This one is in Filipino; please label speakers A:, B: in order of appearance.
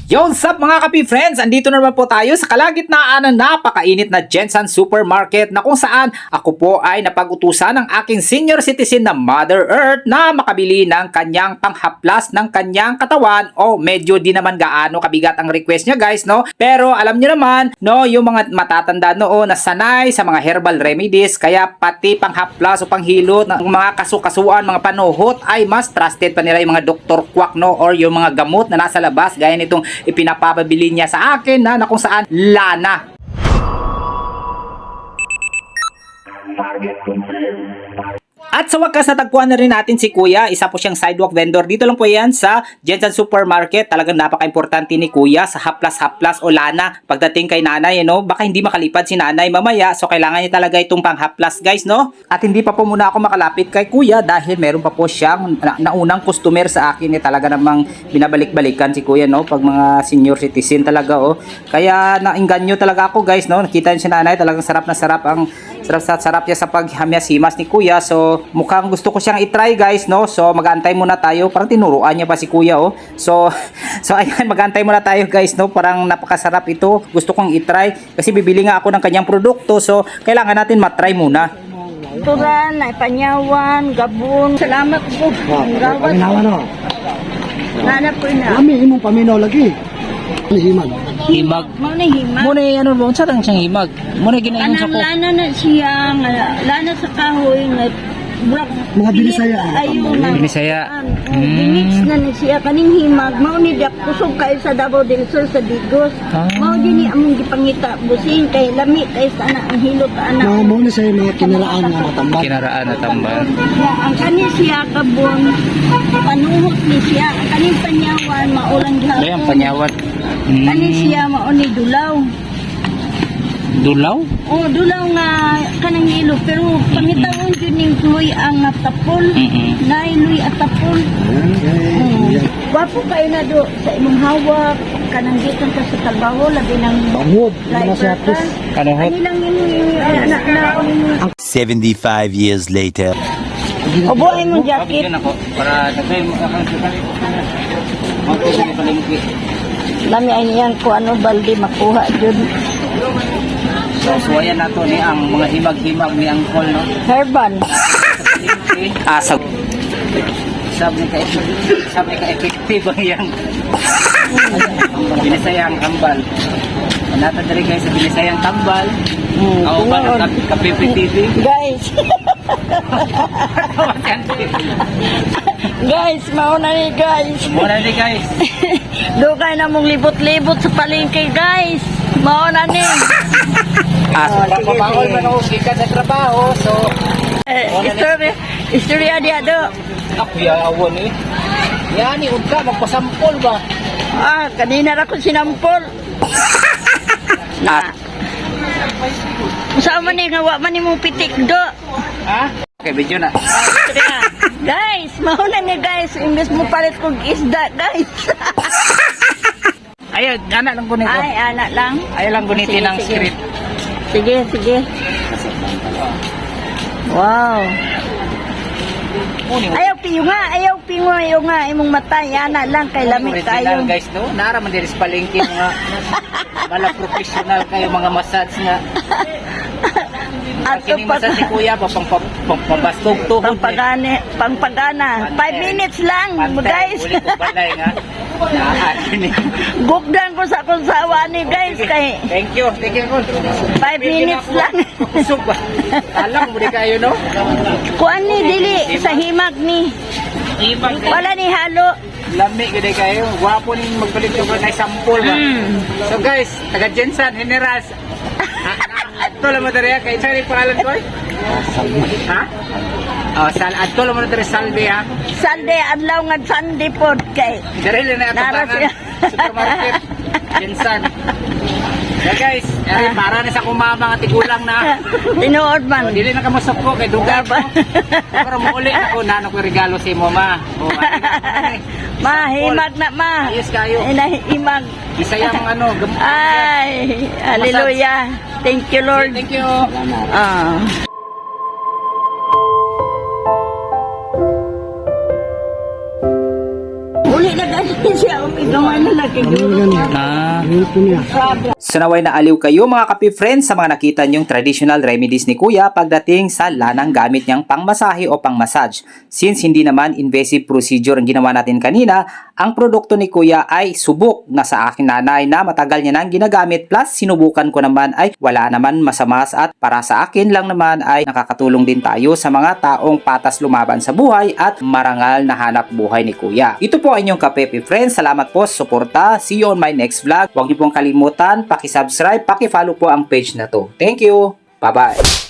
A: Yo, what's up mga kapi friends? Andito na naman po tayo sa kalagitnaan ng napakainit na Jensen Supermarket na kung saan ako po ay napag-utusan ng aking senior citizen na Mother Earth na makabili ng kanyang panghaplas ng kanyang katawan. O medyo di naman gaano kabigat ang request niya guys, no? Pero alam niyo naman, no, yung mga matatanda noon na sanay sa mga herbal remedies, kaya pati panghaplas o panghilot ng mga kasukasuan, mga panuhot ay mas trusted pa nila yung mga Dr. Quack, no? Or yung mga gamot na nasa labas gaya nitong ipinapabili niya sa akin na kung saan lana. At sa wakas natagpuan na rin natin si Kuya, isa po siyang sidewalk vendor. Dito lang po yan sa Jensen Supermarket. Talagang napaka-importante ni Kuya sa haplas-haplas o lana pagdating kay nanay, no? Baka hindi makalipad si nanay mamaya, so kailangan niya talaga itong panghaplas guys, no? At hindi pa po muna ako makalapit kay Kuya dahil meron pa po siyang naunang customer sa akin. Talaga namang binabalik-balikan si Kuya, no? Pag mga senior citizen talaga, oh. Kaya nainganyo talaga ako guys, no? Nakita niyo si nanay, talagang sarap na sarap ang sarap niya sa paghamyas-himas ni Kuya. So mukhang gusto ko siyang i-try guys, no? So mag-aantay muna tayo. Parang tinuruan niya pa si Kuya, oh. So ayan, mag-aantay muna tayo guys, no? Parang napakasarap ito. Gusto kong i-try kasi bibili nga ako ng kanyang produkto. So kailangan natin matry muna.
B: Turan, ay panyawan, gabon. Salamat po. Gawat.
C: Paminawa no.
B: Nana po na.
C: Kami imong paminaw lagi. Himag.
A: Himag.
B: Mo na hima.
A: Muna ano ba? Sa tang siyang himag. Muna ginayon sa
B: Anang
A: ko.
B: lana na siya, lana sa kahoy nga brak.
C: Mga Binisaya.
B: Ayun na.
A: Binisaya.
B: Binix na ni siya kaning himag. Mao ni dak kusog kay sa Davao del Sur sa Digos. Mao dinhi among gipangita busing kay lami kay sa ana ang hilot anak.
C: Mga mo na sa mga kinaraan nga matambal.
A: Kinaraan na tambal.
B: Ang kani siya kabon panuhot ni siya. Ang kaning panyawan maulang gihapon.
A: Ayan, panyawat.
B: Kani siya mao ni dulaw.
A: Dulaw?
B: Oh, dulaw nga kanang ilo pero pangitawon jud ning luy ang tapol. Nay luy at tapol. Wapo kay na do sa imong hawak kanang gikan ka sa trabaho labi nang
C: Bangod. Mga sa
B: lifer ka.
A: Kanuhot?
B: Ani lang anak na
D: 75 years later.
B: Obo ay mong jacket.
A: Bigyan ako para nagay mo ka sa palengke.
B: Lami ay niyan ko ano balde makuha jud.
A: So suwayan nato ni ang mga himag-himag ni Angkol, no?
B: Herban.
A: Asap. Sabi ka effective ang yang binisayang tambal. Nata dali guys sa binisayang tambal. Ako ba ng kape TV?
B: Guys. Guys, mauna ni guys.
A: Muna ni guys.
B: Dugay na mong libot-libot sa palengke, guys. Mauna ni.
A: Papabawal man ako gikan sa trabaho, so
B: Istorya dia do.
A: ako yawan eh. Yan ni unta magpasampol ba?
B: Kanina ra ko sinampol. Sa man ni nga wa man nimo pitik do.
A: Ha? Okay, video na.
B: Istorya. Guys, mauna ni guys. Imbes mo palit kog isda, guys.
A: Ayun, anak lang gunito.
B: Ay, anak lang.
A: Ayaw lang gunitin
B: Sige,
A: ng
B: sige.
A: script.
B: Sige, sige. Wow. Ayaw pingo nga imong mata, ana lang kay lamig
A: Original
B: kayo.
A: guys, no? Nara man diri sa palengke mga bala professional kayo mga massage nga.
B: At
A: Kini massage si Kuya pa pambastog tuhod.
B: pangpagana. 5 minutes lang, guys.
A: Uli ko balay nga. Kini.
B: Gugdan ko sa akong sawa ni guys kay
A: Thank you ko.
B: 5 minutes lang.
A: Kusog ba? Alam mo di kayo, no?
B: Kuan ni dili sa himag ni.
A: Ibang
B: Wala ni halo.
A: lami gid kayo. Gwapo ning magbalik ko na sample ba. So guys, taga Jensen Generals. Ato lang mo diri kay sa pangalan ko. Ha? Oh, ato lang mo diri Salve ha.
B: Sunday adlaw nga Sunday pod kay.
A: Diri na ato
B: Nara siya.
A: supermarket. Jensen. Yeah guys, para na sa kumama nga tigulang na.
B: Tinuod man.
A: Dili na kamusok ko kay duga ba. Pero mauli ako na ko regalo si mo ma. Oh,
B: Ma, himag na ma.
A: Ayos kayo.
B: Himag.
A: Bisayang ano,
B: Ay, hallelujah. Thank you, Lord.
A: Thank you.
B: Uli na gani. Siya umigawan na laki
C: Ano
B: doon.
C: yan?
A: Ah.
C: Ano po niya?
A: So naway na aliw kayo mga kapi friends sa mga nakita niyong traditional remedies ni Kuya pagdating sa lanang gamit niyang pangmasahe o pangmassage. Since hindi naman invasive procedure ang ginawa natin kanina, ang produkto ni Kuya ay subok na sa akin nanay na matagal niya nang ginagamit plus sinubukan ko naman ay wala naman masamas at para sa akin lang naman ay nakakatulong din tayo sa mga taong patas lumaban sa buhay at marangal na hanap buhay ni Kuya. Ito po ang inyong kapepi friends. Salamat po sa suporta. See you on my next vlog. Huwag niyo pong kalimutan, paki-subscribe, paki-follow po ang page na to. Thank you. Bye-bye.